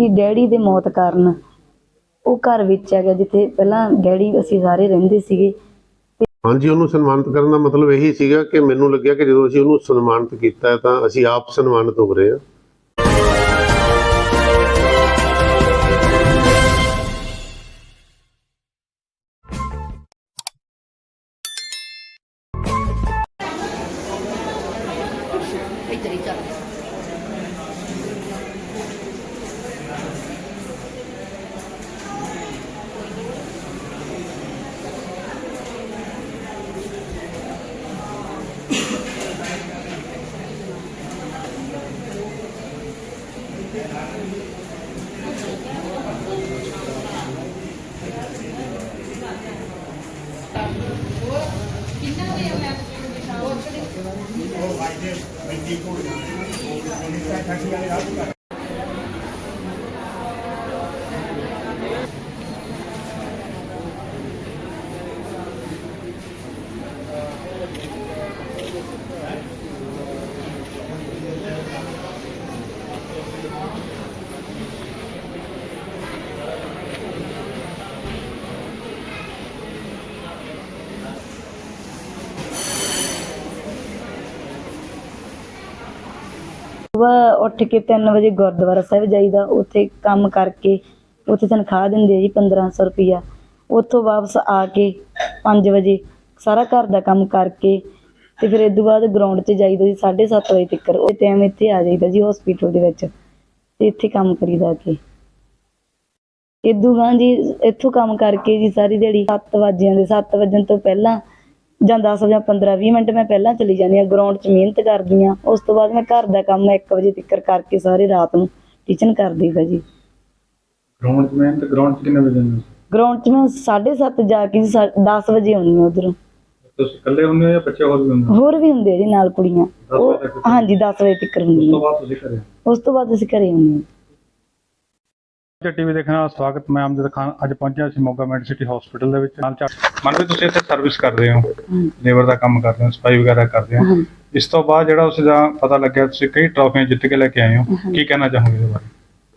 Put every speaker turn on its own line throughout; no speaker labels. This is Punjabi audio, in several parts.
ਕਿ ਡੈਡੀ ਦੇ ਮੌਤ ਕਾਰਨ ਉਹ ਘਰ ਵੇਚਿਆ ਗਿਆ ਜਿੱਥੇ ਪਹਿਲਾਂ ਡੈਡੀ ਅਸੀਂ ਸਾਰੇ ਰਹਿੰਦੇ ਸੀਗੇ।
ਹਾਂਜੀ, ਉਹਨੂੰ ਸਨਮਾਨਿਤ ਕਰਨ ਦਾ ਮਤਲਬ ਇਹੀ ਸੀਗਾ ਕਿ ਮੈਨੂੰ ਲੱਗਿਆ ਕਿ ਜਦੋਂ ਅਸੀਂ ਉਹਨੂੰ ਸਨਮਾਨਿਤ ਕੀਤਾ ਤਾਂ ਅਸੀਂ ਆਪ ਸਨਮਾਨਿਤ ਹੋ ਰਹੇ ਹਾਂ।
ਸੁਬਾਹ ਉੱਠ ਕੇ 3 ਵਜੇ ਗੁਰਦੁਆਰਾ ਸਾਹਿਬ ਜਾਈਦਾ। ਉੱਥੇ ਕੰਮ ਕਰਕੇ ਉੱਥੇ ਤਨਖਾਹ ਦਿੰਦੇ ਆ ਜੀ 1500 ਰੁਪਈਆ। ਉੱਥੋਂ ਵਾਪਸ ਆ ਕੇ 5 ਵਜੇ ਸਾਰਾ ਘਰ ਦਾ ਕੰਮ ਕਰਕੇ ਤੇ ਫਿਰ ਇਸ ਤੋਂ ਬਾਅਦ ਗਰਾਊਂਡ 'ਚ ਜਾਈਦਾ ਜੀ 7:30 ਵਜੇ ਤੱਕ। ਉਹ ਟਾਈਮ ਇੱਥੇ ਆ ਜਾਈਦਾ ਜੀ ਹੌਸਪੀਟਲ ਦੇ ਵਿੱਚ ਤੇ ਇੱਥੇ ਕੰਮ ਕਰੀਦਾ ਕਿ ਇਦੋਂ ਬਾਅਦ ਜੀ ਇੱਥੋਂ ਕੰਮ ਕਰਕੇ ਜੀ ਸਾਰੀ ਦਿਹਾੜੀ 7 ਵਜਣ ਤੋਂ ਪਹਿਲਾਂ ਜਾਂ 10 ਜਾਂ 15-20 ਮਿੰਟ ਮੈਂ ਪਹਿਲਾਂ ਚਲੀ ਜਾਂਦੀ ਹਾਂ ਗਰਾਊਂਡ 'ਚ ਮਿਹਨਤ ਕਰਦੀ ਹਾਂ। ਉਸ ਤੋਂ ਬਾਅਦ ਮੈਂ ਘਰ ਦਾ ਕੰਮ 1 ਵਜੇ ਤੱਕ ਕਰਕੇ ਸਾਰੇ ਰਾਤ ਨੂੰ ਟੀਚਿੰਗ ਕਰ ਦਈਦਾ ਜੀ।
ਗਰਾਊਂਡ 'ਚ ਮਿਹਨਤ ਗਰਾਊਂਡ 'ਚ ਕਿੰਨੇ ਵਜੇ ਜਾਂਦੇ ਹੋ?
ਗਰਾਊਂਡ 'ਚ ਮੈਂ 7:30 ਜਾ ਕੇ 10 ਵਜੇ ਆਉਂਦੀ ਹਾਂ ਉੱਧਰੋਂ।
ਤੁਸੀਂ ਇਕੱਲੇ ਹੁੰਦੇ ਹੋ ਜਾਂ ਬੱਚੇ ਹੋਰ ਵੀ ਹੁੰਦੇ?
ਹੋਰ ਵੀ ਹੁੰਦੇ ਆ ਜੀ ਨਾਲ ਕੁੜੀਆਂ। ਹਾਂਜੀ 10 ਵਜੇ ਤੱਕ ਹੁੰਦੀਆਂ।
ਉਸ ਤੋਂ ਬਾਅਦ ਤੁਸੀਂ ਘਰੇ?
ਉਸ ਤੋਂ ਬਾਅਦ ਅਸੀਂ ਘਰੇ ਹੁੰਦੇ ਹਾਂ।
ਟੀਵੀ ਦੇਖਣ ਦਾ ਸਵਾਗਤ। ਮੈਂ ਅਮਜਦ ਖਾਨ ਅੱਜ ਪਹੁੰਚਿਆ ਸੀ ਮੋਗਾ ਮੈਡੀਸਿਟੀ ਹਸਪੀਟਲ ਦੇ ਵਿੱਚ। ਮਨਪ੍ਰੀਤ ਤੁਸੀਂ ਇੱਥੇ ਸਰਵਿਸ ਕਰਦੇ ਹੋ, ਲੇਬਰ ਦਾ ਕੰਮ ਕਰਦੇ ਹੋ, ਸਫਾਈ ਵਗੈਰਾ ਕਰਦੇ ਹੋ। ਇਸ ਤੋਂ ਬਾਅਦ ਜਿਹੜਾ ਉਸ ਦਾ ਪਤਾ ਲੱਗਿਆ ਤੁਸੀਂ ਕਈ ਟਰਾਫੀਆਂ ਜਿੱਤ ਕੇ ਲੈ ਕੇ ਆਏ ਹੋ, ਕੀ ਕਹਿਣਾ ਚਾਹੋਗੇ ਇਹਦੇ ਬਾਰੇ?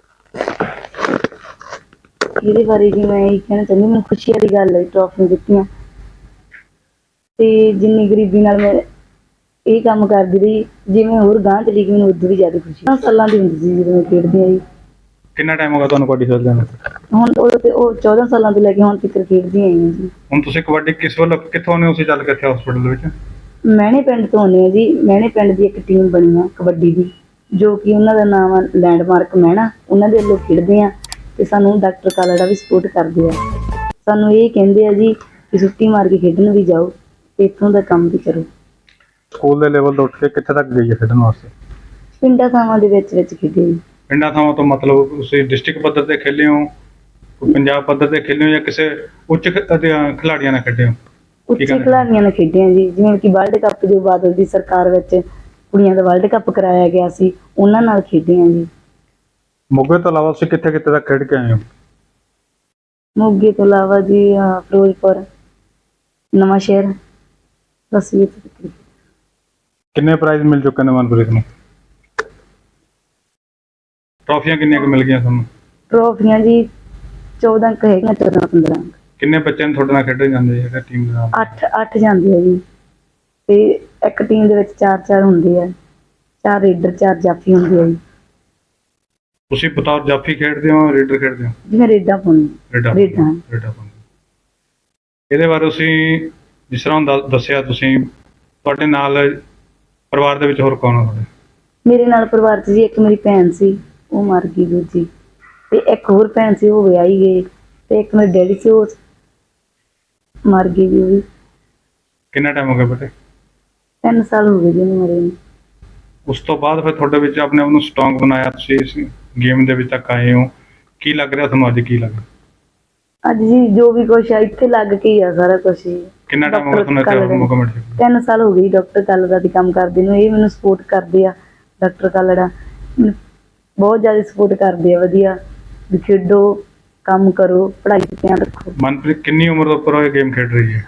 ਇਹਦੇ ਬਾਰੇ ਜੀ ਮੈਂ ਇਹ ਕਹਿਣਾ ਚਾਹੁੰਦੀ, ਮੈਨੂੰ ਖੁਸ਼ੀ ਵਾਲੀ ਗੱਲ ਹੈ ਟਰਾਫੀਆਂ ਜਿੱਤੀਆਂ ਤੇ ਜਿੰਨੀ ਗਰੀਬੀ ਨਾਲ ਮੈਂ ਇਹ ਕੰਮ ਕਰਦੀ ਰਹੀ, ਜਿਵੇਂ ਹੋਰ ਗਾਂਹ ਚਲੀ ਗਈ ਮੈਨੂੰ ਉਦੋਂ ਵੀ ਜ਼ਿਆਦਾ ਖੁਸ਼ੀ। 10 ਸਾਲਾਂ ਦੀ ਹੁੰਦੀ ਸੀ ਜਦੋਂ ਮੈਂ ਖੇਡਦੀ ਆਈ।
ਕਿੰਨਾ ਟਾਈਮ ਹੋ ਗਿਆ ਤੁਹਾਨੂੰ ਕਬੱਡੀ ਖੇਡਦਿਆਂ ਨੂੰ?
ਹੁਣ ਉਹ 14 ਸਾਲਾਂ ਤੋਂ ਲੈ ਕੇ ਹੁਣ ਤੱਕ ਖੇਡਦੀ ਆਈ ਹਾਂ ਜੀ।
ਹੁਣ ਤੁਸੀਂ ਕਬੱਡੀ ਕਿਸ ਵੱਲੋਂ ਕਿੱਥੋਂ ਆਉਂਦੇ ਹੋ? ਤੁਸੀਂ ਚੱਲ ਕੇ ਇੱਥੇ ਹਸਪੀਟਲ ਦੇ ਵਿੱਚ
ਮਹਿਣੇ ਪਿੰਡ ਤੋਂ ਆਉਂਦੇ ਹਾਂ ਜੀ। ਮਹਿਣੇ ਪਿੰਡ ਦੀ ਇੱਕ ਟੀਮ ਬਣੀ ਆ ਕਬੱਡੀ ਦੀ, ਜੋ ਕਿ ਉਹਨਾਂ ਦਾ ਨਾਮ ਆ ਲੈਂਡਮਾਰਕ ਮਹਿਣਾ। ਉਹਨਾਂ ਦੇ ਵੱਲੋਂ ਖੇਡਦੇ ਆ ਤੇ ਸਾਨੂੰ ਡਾਕਟਰ ਕਾਲੜਾ ਵੀ ਸਪੋਰਟ ਕਰਦੇ ਆ। ਸਾਨੂੰ ਇਹ ਕਹਿੰਦੇ ਆ ਜੀ ਕਿ ਛੁੱਟੀ ਮਾਰ ਕੇ ਖੇਡਣ ਵੀ ਜਾਓ ਤੇ ਇੱਥੋਂ ਦਾ ਕੰਮ ਵੀ ਕਰੋ।
ਸਕੂਲ ਦੇ ਲੈਵਲ ਤੋਂ ਉੱਠ ਕੇ ਕਿੱਥੇ ਤੱਕ ਗਈ ਹੈ ਖੇਡਣ ਵਾਸਤੇ?
ਪਿੰਡਾਂ ਥਾਵਾਂ ਦੇ ਵਿੱਚ ਖੇਡੇ ਜੀ।
ਪਿੰਡਾਂ ਥਾਵਾਂ ਤੋਂ ਮਤਲਬ ਤੁਸੀਂ ਡਿਸਟ੍ਰਿਕਟ ਪੱਧਰ ਤੇ ਖੇਲੇ ਹੋ, ਪੰਜਾਬ ਪੱਧਰ ਤੇ ਖੇਲੇ ਹੋ ਜਾਂ ਕਿਸੇ ਉੱਚ ਖਿਡਾਰੀਆਂ ਨਾਲ ਖੇਡੇ ਹੋ?
ਉੱਚੇ ਖਿਡਾਰੀਆਂ ਨਾਲ ਖੇਡੇ ਆ ਜੀ, ਜਿਵੇਂ ਕਿ ਵਰਲਡ ਕੱਪ ਜੋ ਬਾਦਲ ਦੀ ਸਰਕਾਰ ਵਿੱਚ ਕੁੜੀਆਂ ਦਾ ਵਰਲਡ ਕੱਪ ਕਰਾਇਆ ਗਿਆ ਸੀ, ਉਹਨਾਂ ਨਾਲ ਖੇਡੇ ਆ ਜੀ।
ਮੋਗੇ ਤੋਂ ਇਲਾਵਾ ਤੁਸੀਂ ਕਿੱਥੇ ਕਿੱਥੇ ਤੱਕ ਖੇਡ ਕੇ ਆਏ ਹੋ?
ਮੋਗੇ ਤੋਂ ਇਲਾਵਾ ਜੀ ਫਿਰੋਜ਼ਪੁਰ, ਨਵਾਂ ਸ਼ਹਿਰ, ਬਸ ਇਹ ਤੱਕ।
ਕਿੰਨੇ ਪ੍ਰਾਈਜ਼ ਮਿਲ ਚੁੱਕੇ ਨੇ ਮਨਪ੍ਰੀਤ ਨੂੰ? ਟਰਾਫੀਆਂ ਕਿੰਨੀਆਂ ਕੁ ਮਿਲ ਗਈਆਂ ਤੁਹਾਨੂੰ?
ਟਰੋਫੀਆਂ ਜੀ 14 ਕੁ ਹੈਗੀਆਂ, 14-15।
ਕਿੰਨੇ ਬੱਚੇ ਨੇ ਤੁਹਾਡੇ ਨਾਲ ਖੇਡਣ ਜਾਂਦੇ ਜਿਹੜੇ ਟੀਮ ਦੇ ਨਾਲ?
8 ਜਾਂਦੇ ਆ ਜੀ ਤੇ ਇੱਕ ਟੀਮ ਦੇ ਵਿੱਚ 4 ਹੁੰਦੇ ਆ, 4 ਰੇਡਰ 4 ਜਾਫੀ ਹੁੰਦੇ ਆ ਜੀ।
ਤੁਸੀਂ ਬਤੌਰ ਜਾਫੀ ਖੇਡਦੇ ਹੋ, ਰੇਡਰ ਖੇਡਦੇ ਹੋ?
ਜਿਵੇਂ ਰੇਡਾਂ ਪਾਉਂਦੇ।
ਰੇਡਾਂ ਪਾਉਂਦੇ। ਇਹਦੇ ਬਾਰੇ ਤੁਸੀਂ ਜਿਸ ਤਰ੍ਹਾਂ ਦੱਸਿਆ ਤੁਸੀਂ, ਤੁਹਾਡੇ ਨਾਲ ਪਰਿਵਾਰ ਦੇ ਵਿੱਚ ਹੋਰ ਕੌਣ ਆ ਤੁਹਾਡੇ?
ਮੇਰੇ ਨਾਲ ਪਰਿਵਾਰ 'ਚ ਜੀ ਇੱਕ ਮੇਰੀ ਭੈਣ ਸੀ, ਉਹ ਮਰ ਗਈ ਦੂਜੀ, ਤੇ ਇੱਕ ਹੋਰ ਭੈਣ ਸੀ ਉਹ ਵਿਆਹੀ ਗਈ, ਤੇ ਇੱਕ ਮੇਰੇ ਡੈਡੀ ਸੀ ਉਹ ਮਰ ਗਈ ਜੀ। ਉਹ ਵੀ
ਕਿੰਨਾ ਟਾਈਮ ਹੋ ਗਿਆ ਬੇਟੇ?
3 ਸਾਲ ਹੋ ਗਏ ਜੀ ਉਹਨੂੰ ਮਰੇ ਨੂੰ।
ਉਸ ਤੋਂ ਬਾਅਦ ਫਿਰ ਤੁਹਾਡੇ ਵਿੱਚ ਆਪਣੇ ਆਪ ਨੂੰ ਸਟਰੋਂਗ ਬਣਾਇਆ, ਤੁਸੀਂ ਇਸ ਗੇਮ ਦੇ ਵਿੱਚ ਤੱਕ ਆਏ ਹੋ। ਕੀ ਲੱਗ ਰਿਹਾ ਤੁਹਾਨੂੰ ਅੱਜ? ਕੀ ਲੱਗ ਰਿਹਾ
ਅੱਜ ਜੀ? ਜੋ ਵੀ ਕੁਛ ਆ ਇੱਥੇ ਲੱਗ ਕੇ ਹੀ ਆ ਸਾਰਾ ਕੁਛ ਹੀ।
ਕਿੰਨਾ ਟਾਈਮ ਹੋ ਗਿਆ ਤੁਹਾਨੂੰ ਇੱਥੇ ਮੋਗਾ ਮੈਡੀਸਿਟੀ?
3 ਸਾਲ ਹੋ ਗਏ ਡਾਕਟਰ ਕਾਲੜਾ ਦੀ ਕੰਮ ਕਰਦੇ ਨੂੰ। ਇਹ ਮੈਨੂੰ ਸਪੋਰਟ ਕਰਦੇ ਆ, ਡਾਕਟਰ ਕਾਲੜਾ ਬਹੁਤ ਜ਼ਿਆਦਾ ਸਪੋਰਟ ਕਰਦੇ ਆ। ਵਧੀਆ ਵੀ ਖੇਡੋ, ਕੰਮ ਕਰੋ, ਪੜ੍ਹਾਈ 'ਤੇ ਧਿਆਨ ਰੱਖੋ।
ਮਨਪ੍ਰੀਤ ਕਿੰਨੀ ਉਮਰ ਤੋਂ ਉੱਪਰ ਇਹ ਗੇਮ ਖੇਡ ਰਹੀ ਹੈ?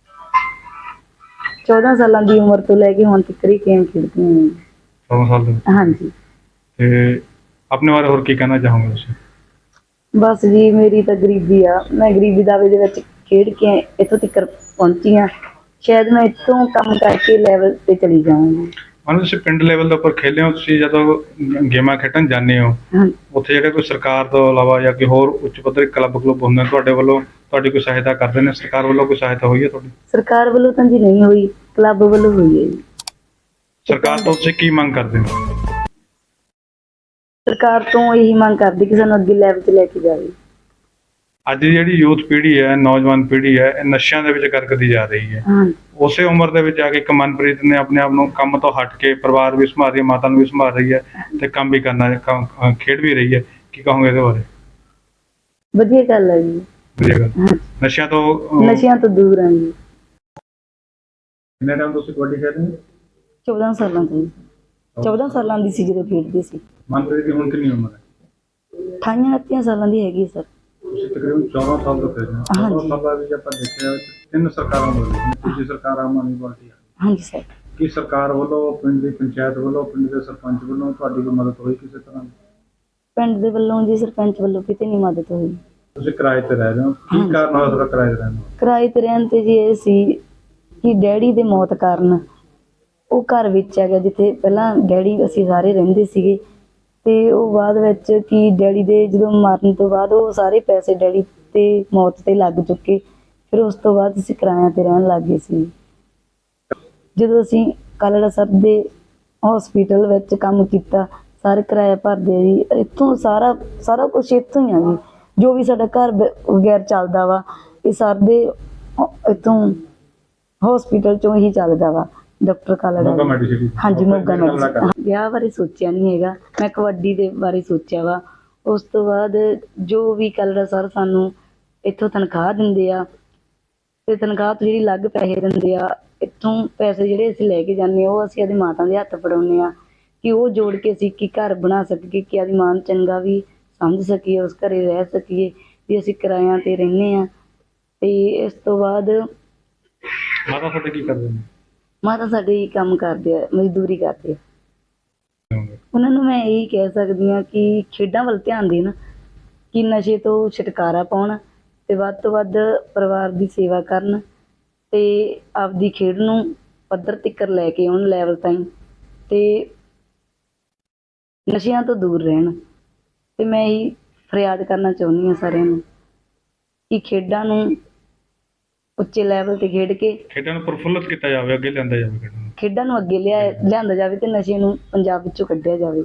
14 ਸਾਲਾਂ ਦੀ ਉਮਰ ਤੋਂ ਲੈ ਕੇ ਹੁਣ ਤੱਕ ਹੀ ਗੇਮ ਖੇਡਦੀ ਹਾਂ।
14 ਸਾਲ ਤੋਂ?
ਹਾਂਜੀ।
ਤੇ ਆਪਣੇ ਬਾਰੇ ਹੋਰ ਕੀ ਕਹਿਣਾ ਚਾਹੋਗੇ ਤੁਸੀਂ?
ਬਸ ਜੀ ਮੇਰੀ ਤਾਂ ਗਰੀਬੀ ਆ, ਮੈਂ ਗਰੀਬੀ ਦਾਵੇ ਦੇ ਵਿੱਚ ਖੇਡ ਕੇ ਇੱਥੋਂ ਤੱਕ ਪਹੁੰਚੀ ਆ। ਸ਼ਾਇਦ ਮੈਂ ਇੱਥੋਂ ਕੰਮ ਕਰਕੇ ਲੈਵਲ ਤੇ ਚਲੀ ਜਾਵਾਂਗੀ।
ਮੰਨ ਲਓ ਤੁਸੀਂ ਪਿੰਡ ਲੈਵਲ ਦੇ ਉੱਪਰ ਖੇਲੇ ਹੋ, ਤੁਸੀਂ ਜਦੋਂ ਗੇਮਾਂ ਖੇਡਣ ਜਾਂਦੇ ਹੋ
ਹਾਂ,
ਉੱਥੇ ਜਿਹੜੇ ਕੋਈ ਸਰਕਾਰ ਤੋਂ ਇਲਾਵਾ ਜਾਂ ਕੋਈ ਹੋਰ ਉੱਚ ਪੱਧਰੀ ਕਲੱਬ ਹੁੰਦੇ ਨੇ ਤੁਹਾਡੇ ਵੱਲੋਂ ਤੁਹਾਡੀ ਕੋਈ ਸਹਾਇਤਾ ਕਰਦੇ ਨੇ? ਸਰਕਾਰ ਵੱਲੋਂ ਕੋਈ ਸਹਾਇਤਾ ਹੋਈ ਹੈ ਤੁਹਾਡੀ?
ਸਰਕਾਰ ਵੱਲੋਂ ਤਾਂ ਜੀ ਨਹੀਂ ਹੋਈ, ਕਲੱਬ ਵੱਲੋਂ ਹੋਈ ਹੈ ਜੀ।
ਸਰਕਾਰ ਤੋਂ ਤੁਸੀਂ ਕੀ ਮੰਗ ਕਰਦੇ ਹੋ?
ਸਰਕਾਰ ਤੋਂ ਇਹੀ ਮੰਗ ਕਰਦੀ ਕਿ ਸਾਨੂੰ ਅੱਗੇ ਲੈਵਲ 'ਚ ਲੈ ਕੇ ਜਾਵੇ।
ਅੱਜ ਦੀ ਜਿਹੜੀ ਯੂਥ ਪੀੜ੍ਹੀ ਹੈ, ਨੌਜਵਾਨ ਪੀੜ੍ਹੀ ਹੈ, ਇਹ ਨਸ਼ਿਆਂ ਦੇ ਵਿੱਚ ਗਰਕਦੀ ਜਾ ਰਹੀ ਹੈ।
ਹਾਂ,
ਉਸੇ ਉਮਰ ਦੇ ਵਿੱਚ ਆ ਕੇ ਇੱਕ ਮਨਪ੍ਰੀਤ ਨੇ ਆਪਣੇ ਆਪ ਨੂੰ ਕੰਮ ਤੋਂ ਹਟ ਕੇ ਪਰਿਵਾਰ ਵੀ ਸੰਭਾਲ ਰਹੀ ਹੈ, ਮਾਤਾ ਨੂੰ ਵੀ ਸੰਭਾਲ ਰਹੀ ਹੈ ਤੇ ਕੰਮ ਵੀ ਕਰਨਾ ਖੇਡ ਵੀ ਰਹੀ ਹੈ। ਕੀ ਕਹੋਗੇ ਇਹਦੇ ਬਾਰੇ?
ਵਧੀਆ ਗੱਲ ਹੈ ਜੀ।
ਵਧੀਆ ਗੱਲ।
ਹਾਂ,
ਨਸ਼ਿਆਂ ਤੋਂ
ਨਸ਼ਿਆਂ ਤੋਂ ਦੂਰ ਹਾਂ ਜੀ।
ਕਿੰਨੇ ਟਾਈਮ ਤੁਸੀਂ ਕਬੱਡੀ ਖੇਡਦੇ ਹੋ?
14 ਸਾਲਾਂ ਤੋਂ ਜੀ। 14 ਸਾਲਾਂ ਦੀ ਸੀ ਜਦੋਂ ਖੇਡਦੇ ਸੀ।
ਮਨਪ੍ਰੀਤ ਦੀ ਹੁਣ ਕਿੰਨੀ ਉਮਰ ਹੈ?
28 29 ਸਾਲਾਂ ਦੀ ਹੈਗੀ ਸਰ।
ਤੁਸੀਂ ਤਕਰੀਬਨ 14 ਸਾਲ ਤੋਂ ਖੇਡ ਰਹੇ ਹੋ। 14 ਸਾਲਾਂ ਵਿੱਚ ਆਪਾਂ ਦੇਖਿਆ ਤਿੰਨ ਸਰਕਾਰਾਂ ਬਦਲੀਆਂ, ਤੀਜੀ ਸਰਕਾਰ ਆਮ ਆਦਮੀ ਪਾਰਟੀ ਆ।
ਹਾਂਜੀ ਸਰ।
ਕੀ ਸਰਕਾਰ ਵੱਲੋਂ, ਪਿੰਡ ਦੀ ਪੰਚਾਇਤ ਵੱਲੋਂ, ਪਿੰਡ ਦੇ ਸਰਪੰਚ ਵੱਲੋਂ ਤੁਹਾਡੀ ਕੋਈ ਮਦਦ ਹੋਈ ਕਿਸੇ ਤਰ੍ਹਾਂ ਦੀ?
ਪਿੰਡ ਦੇ ਵੱਲੋਂ ਜੀ, ਸਰਪੰਚ ਵੱਲੋਂ ਕਿਤੇ ਨਹੀਂ ਮਦਦ ਹੋਈ।
ਤੁਸੀਂ ਕਿਰਾਏ ਤੇ ਰਹਿ ਰਹੇ ਹੋ, ਕੀ ਕਾਰਨ ਹੋਇਆ ਤੁਹਾਡਾ ਕਿਰਾਏ ਤੇ ਰਹਿਣ ਦਾ?
ਕਿਰਾਏ ਤੇ ਰਹਿਣ ਤੇ ਜੀ ਇਹ ਸੀ ਕਿ ਡੈਡੀ ਦੇ ਮੌਤ ਕਾਰਨ ਉਹ ਘਰ ਵਿੱਚ ਹੈਗਾ ਜਿੱਥੇ ਪਹਿਲਾਂ ਡੈਡੀ ਅਸੀਂ ਸਾਰੇ ਰਹਿੰਦੇ ਸੀਗੇ, ਤੇ ਉਹ ਬਾਅਦ ਵਿੱਚ ਕਿ ਡੈਡੀ ਦੇ ਜਦੋਂ ਮਰਨ ਤੋਂ ਬਾਅਦ ਉਹ ਸਾਰੇ ਪੈਸੇ ਡੈਡੀ ਤੇ ਮੌਤ ਤੇ ਲੱਗ ਚੁੱਕੇ। ਫਿਰ ਉਸ ਤੋਂ ਬਾਅਦ ਅਸੀਂ ਕਿਰਾਇਆਂ ਤੇ ਰਹਿਣ ਲੱਗ ਗਏ ਸੀ। ਜਦੋਂ ਅਸੀਂ ਕਾਲੜਾ ਸਾਹਿਬ ਦੇ ਹਸਪੀਟਲ ਵਿੱਚ ਕੰਮ ਕੀਤਾ, ਸਾਰੇ ਕਿਰਾਇਆ ਭਰਦੇ ਆ ਜੀ। ਇੱਥੋਂ ਸਾਰਾ ਕੁਝ ਇੱਥੋਂ ਹੀ ਆ ਜੀ। ਜੋ ਵੀ ਸਾਡਾ ਘਰ ਵਗੈਰਾ ਚੱਲਦਾ ਵਾ, ਇਹ ਸਾਡੇ ਇੱਥੋਂ ਹਸਪੀਟਲ ਚੋਂ ਹੀ ਚੱਲਦਾ ਵਾ। ਡਾਕਟਰ ਕਾਲੜਾ। ਹਾਂਜੀ, ਮੋਗਾ ਮੈਡੀਸਿਟੀ। ਵਿਆਹ ਬਾਰੇ ਸੋਚਿਆ ਨਹੀਂ ਹੈਗਾ, ਮੈਂ ਕਬੱਡੀ ਦੇ ਬਾਰੇ ਸੋਚਿਆ ਵਾ। ਉਸ ਤੋਂ ਬਾਅਦ ਜੋ ਵੀ ਕਾਲੜਾ ਸਰ ਸਾਨੂੰ ਇੱਥੋਂ ਤਨਖਾਹ ਦਿੰਦੇ ਆ, ਤੇ ਤਨਖਾਹ ਤੋਂ ਜਿਹੜੀ ਅਲੱਗ ਪੈਸੇ ਦਿੰਦੇ ਆ, ਇੱਥੋਂ ਪੈਸੇ ਜਿਹੜੇ ਅਸੀਂ ਲੈ ਕੇ ਜਾਂਦੇ ਆ ਉਹ ਅਸੀਂ ਆਪਦੀ ਮਾਤਾ ਦੇ ਹੱਥ ਫੜਾਉਂਦੇ ਆ ਕਿ ਉਹ ਜੋੜ ਕੇ ਅਸੀਂ ਕੀ ਘਰ ਬਣਾ ਸਕੀਏ, ਕਿ ਆਪਦੀ ਮਾਂ ਨੂੰ ਚੰਗਾ ਵੀ ਸਮਝ ਸਕੀਏ, ਉਸ ਘਰੇ ਰਹਿ ਸਕੀਏ ਵੀ ਅਸੀਂ ਕਿਰਾਇਆਂ ਤੇ ਰਹਿੰਦੇ ਆ। ਤੇ ਇਸ ਤੋਂ ਬਾਅਦ
ਮਾਤਾ ਤੁਹਾਡੇ ਕੀ ਕਰਦੇ ਨੇ?
ਮਾਤਾ ਸਾਡੇ ਹੀ ਕੰਮ ਕਰਦੇ ਆ, ਮਜ਼ਦੂਰੀ ਕਰਦੇ ਆ। ਉਹਨਾਂ ਨੂੰ ਮੈਂ ਇਹੀ ਕਹਿ ਸਕਦੀ ਹਾਂ ਕਿ ਖੇਡਾਂ ਵੱਲ ਧਿਆਨ ਦੇਣ, ਕਿ ਨਸ਼ੇ ਤੋਂ ਛੁਟਕਾਰਾ ਪਾਉਣ ਤੇ ਵੱਧ ਤੋਂ ਵੱਧ ਪਰਿਵਾਰ ਦੀ ਸੇਵਾ ਕਰਨ ਤੇ ਆਪਦੀ ਖੇਡ ਨੂੰ ਪੱਧਰ ਤੱਕ ਲੈ ਕੇ ਆਉਣ, ਲੈਵਲ ਤਾਈਂ, ਤੇ ਨਸ਼ਿਆਂ ਤੋਂ ਦੂਰ ਰਹਿਣ। ਤੇ ਮੈਂ ਇਹੀ ਫਰਿਆਦ ਕਰਨਾ ਚਾਹੁੰਦੀ ਹਾਂ ਸਾਰਿਆਂ ਨੂੰ ਕਿ ਖੇਡਾਂ ਨੂੰ ਉੱਚੇ ਲੈਵਲ ਤੇ ਖੇਡ ਕੇ
ਖੇਡਾਂ ਨੂੰ ਪ੍ਰਫੁੱਲਤ ਕੀਤਾ ਜਾਵੇ, ਅੱਗੇ ਲਿਆਂਦਾ ਜਾਵੇ
ਖੇਡਾਂ ਨੂੰ ਅੱਗੇ ਲਿਆਂਦਾ ਜਾਵੇ ਤੇ ਨਸ਼ੇ ਨੂੰ ਪੰਜਾਬ ਵਿੱਚੋਂ ਕੱਢਿਆ ਜਾਵੇ।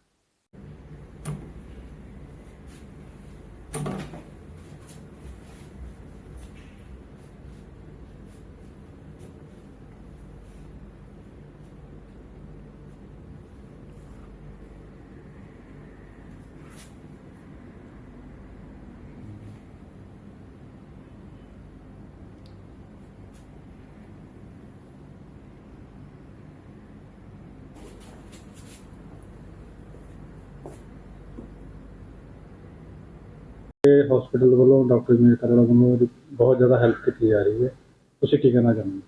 ਹਸਪੀਟਲ ਵੱਲੋਂ, ਡਾਕਟਰ ਜੀ ਕਾਲੜਾ ਵੱਲੋਂ ਬਹੁਤ ਜ਼ਿਆਦਾ ਹੈਲਪ ਕੀਤੀ ਜਾ ਰਹੀ ਹੈ, ਤੁਸੀਂ ਕੀ ਕਹਿਣਾ ਚਾਹੁੰਦੇ?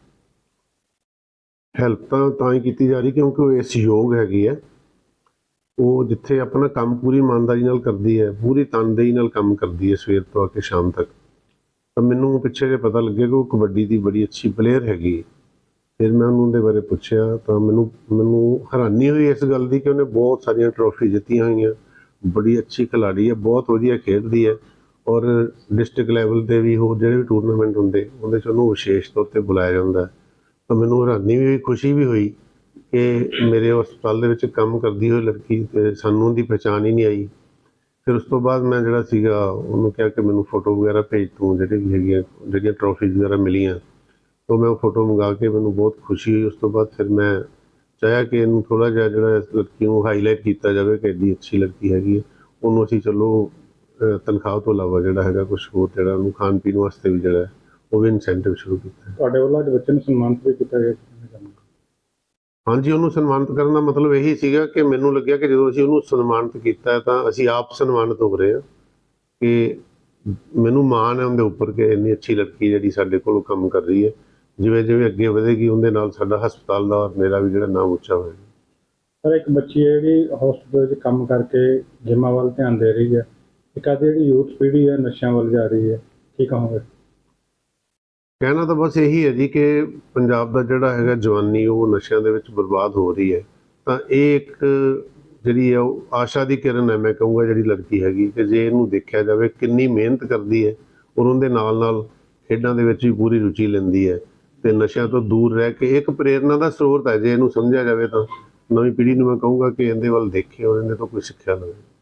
ਹੈਲਪ ਤਾਂ ਹੀ ਕੀਤੀ ਜਾ ਰਹੀ ਕਿਉਂਕਿ ਉਹ ਇਸ ਯੋਗ ਹੈਗੀ ਹੈ। ਉਹ ਜਿੱਥੇ ਆਪਣਾ ਕੰਮ ਪੂਰੀ ਇਮਾਨਦਾਰੀ ਨਾਲ ਕਰਦੀ ਹੈ, ਪੂਰੀ ਤਨਦੇਹੀ ਨਾਲ ਕੰਮ ਕਰਦੀ ਹੈ ਸਵੇਰ ਤੋਂ ਆ ਕੇ ਸ਼ਾਮ ਤੱਕ। ਤਾਂ ਮੈਨੂੰ ਪਿੱਛੇ ਜੇ ਪਤਾ ਲੱਗਿਆ ਕਿ ਉਹ ਕਬੱਡੀ ਦੀ ਬੜੀ ਅੱਛੀ ਪਲੇਅਰ ਹੈਗੀ। ਫਿਰ ਮੈਂ ਉਹਨੂੰ ਉਹਦੇ ਬਾਰੇ ਪੁੱਛਿਆ ਤਾਂ ਮੈਨੂੰ ਹੈਰਾਨੀ ਹੋਈ ਇਸ ਗੱਲ ਦੀ ਕਿ ਉਹਨੇ ਬਹੁਤ ਸਾਰੀਆਂ ਟਰੋਫੀ ਜਿੱਤੀਆਂ ਹੋਈਆਂ, ਬੜੀ ਅੱਛੀ ਖਿਲਾੜੀ ਹੈ, ਬਹੁਤ ਵਧੀਆ ਖੇਡਦੀ ਹੈ। ਔਰ ਡਿਸਟ੍ਰਿਕਟ ਲੈਵਲ 'ਤੇ ਵੀ ਹੋਰ ਜਿਹੜੇ ਵੀ ਟੂਰਨਾਮੈਂਟ ਹੁੰਦੇ ਉਹਦੇ 'ਚ ਉਹਨੂੰ ਵਿਸ਼ੇਸ਼ ਤੌਰ 'ਤੇ ਬੁਲਾਇਆ ਜਾਂਦਾ। ਤਾਂ ਮੈਨੂੰ ਹੈਰਾਨੀ ਵੀ ਹੋਈ, ਖੁਸ਼ੀ ਵੀ ਹੋਈ ਕਿ ਮੇਰੇ ਹਸਪਤਾਲ ਦੇ ਵਿੱਚ ਕੰਮ ਕਰਦੀ ਹੋਈ ਲੜਕੀ ਤੇ ਸਾਨੂੰ ਉਹਦੀ ਪਹਿਚਾਣ ਹੀ ਨਹੀਂ ਆਈ। ਫਿਰ ਉਸ ਤੋਂ ਬਾਅਦ ਮੈਂ ਜਿਹੜਾ ਸੀਗਾ ਉਹਨੂੰ ਕਿਹਾ ਕਿ ਮੈਨੂੰ ਫੋਟੋ ਵਗੈਰਾ ਭੇਜ ਤੂੰ ਜਿਹੜੇ ਵੀ ਹੈਗੀਆਂ, ਜਿਹੜੀਆਂ ਟਰੋਫੀਜ਼ ਵਗੈਰਾ ਮਿਲੀਆਂ। ਤਾਂ ਮੈਂ ਉਹ ਫੋਟੋ ਮੰਗਾ ਕੇ ਮੈਨੂੰ ਬਹੁਤ ਖੁਸ਼ੀ ਹੋਈ। ਉਸ ਤੋਂ ਬਾਅਦ ਫਿਰ ਮੈਂ ਚਾਹਿਆ ਕਿ ਇਹਨੂੰ ਥੋੜ੍ਹਾ ਜਿਹਾ ਜਿਹੜਾ ਇਸ ਲੜਕੀ ਨੂੰ ਹਾਈਲਾਈਟ ਕੀਤਾ ਜਾਵੇ ਕਿ ਐਡੀ ਅੱਛੀ ਲੜਕੀ ਹੈਗੀ ਹੈ। ਉਹਨੂੰ ਅਸੀਂ ਚਲੋ ਤਨਖਾਹ ਤੋਂ ਇਲਾਵਾ ਜਿਹੜਾ ਹੈਗਾ ਕੁਛ ਹੋਰ ਜਿਹੜਾ ਉਹਨੂੰ ਖਾਣ ਪੀਣ ਵਾਸਤੇ ਵੀ ਜਿਹੜਾ ਉਹ ਵੀ ਇਨਸੈਂਟਿਵ ਸ਼ੁਰੂ ਕੀਤਾ।
ਤੁਹਾਡੇ ਵੱਲੋਂ ਅੱਜ ਬੱਚੇ ਨੂੰ ਸਨਮਾਨਿਤ ਵੀ ਕੀਤਾ ਗਿਆ?
ਹਾਂਜੀ, ਉਹਨੂੰ ਸਨਮਾਨਿਤ ਕਰਨ ਦਾ ਮਤਲਬ ਇਹੀ ਸੀਗਾ ਕਿ ਮੈਨੂੰ ਲੱਗਿਆ ਕਿ ਜਦੋਂ ਅਸੀਂ ਉਹਨੂੰ ਸਨਮਾਨਿਤ ਕੀਤਾ ਤਾਂ ਅਸੀਂ ਆਪ ਸਨਮਾਨਿਤ ਹੋ ਰਹੇ ਹਾਂ, ਕਿ ਮੈਨੂੰ ਮਾਣ ਹੈ ਉਹਦੇ ਉੱਪਰ ਕਿ ਇੰਨੀ ਅੱਛੀ ਲੜਕੀ ਜਿਹੜੀ ਸਾਡੇ ਕੋਲ ਕੰਮ ਕਰ ਰਹੀ ਹੈ। ਜਿਵੇਂ ਜਿਵੇਂ ਅੱਗੇ ਵਧੇਗੀ ਉਹਦੇ ਨਾਲ ਸਾਡਾ ਹਸਪਤਾਲ ਦਾ ਔਰ ਮੇਰਾ ਵੀ ਜਿਹੜਾ ਨਾਮ ਉੱਚਾ ਹੋਏਗਾ।
ਪਰ ਇੱਕ ਬੱਚੀ ਹੈ ਜਿਹੜੀ ਹਸਪੀਟਲ 'ਚ ਕੰਮ ਕਰਕੇ ਜਿੰਮਾਂ ਵੱਲ ਧਿਆਨ ਦੇ ਰਹੀ ਹੈ, ਇੱਕ ਅੱਜ ਜਿਹੜੀ ਯੂਥ ਪੀੜ੍ਹੀ ਹੈ ਨਸ਼ਿਆਂ ਵੱਲ ਜਾ ਰਹੀ ਹੈ, ਕੀ ਕਹੋਗੇ?
ਕਹਿਣਾ ਤਾਂ ਬਸ ਇਹੀ ਹੈ ਜੀ ਕਿ ਪੰਜਾਬ ਦਾ ਜਿਹੜਾ ਹੈਗਾ ਜਵਾਨੀ ਉਹ ਨਸ਼ਿਆਂ ਦੇ ਵਿੱਚ ਬਰਬਾਦ ਹੋ ਰਹੀ ਹੈ। ਤਾਂ ਇਹ ਇੱਕ ਜਿਹੜੀ ਹੈ ਉਹ ਆਸ਼ਾ ਦੀ ਕਿਰਨ ਹੈ, ਮੈਂ ਕਹੂੰਗਾ, ਜਿਹੜੀ ਲੜਕੀ ਹੈਗੀ, ਕਿ ਜੇ ਇਹਨੂੰ ਦੇਖਿਆ ਜਾਵੇ ਕਿੰਨੀ ਮਿਹਨਤ ਕਰਦੀ ਹੈ ਔਰ ਉਹਦੇ ਨਾਲ ਨਾਲ ਖੇਡਾਂ ਦੇ ਵਿੱਚ ਵੀ ਪੂਰੀ ਰੁਚੀ ਲੈਂਦੀ ਹੈ ਤੇ ਨਸ਼ਿਆਂ ਤੋਂ ਦੂਰ ਰਹਿ ਕੇ ਇੱਕ ਪ੍ਰੇਰਨਾ ਦਾ ਸਰੋਤ ਹੈ। ਜੇ ਇਹਨੂੰ ਸਮਝਿਆ ਜਾਵੇ ਤਾਂ ਨਵੀਂ ਪੀੜ੍ਹੀ ਨੂੰ ਮੈਂ ਕਹੂੰਗਾ ਕਿ ਇਹਦੇ ਵੱਲ ਦੇਖੇ ਔਰ ਇਹਦੇ ਤੋਂ ਕੋਈ ਸਿੱਖਿਆ ਲਵੇ।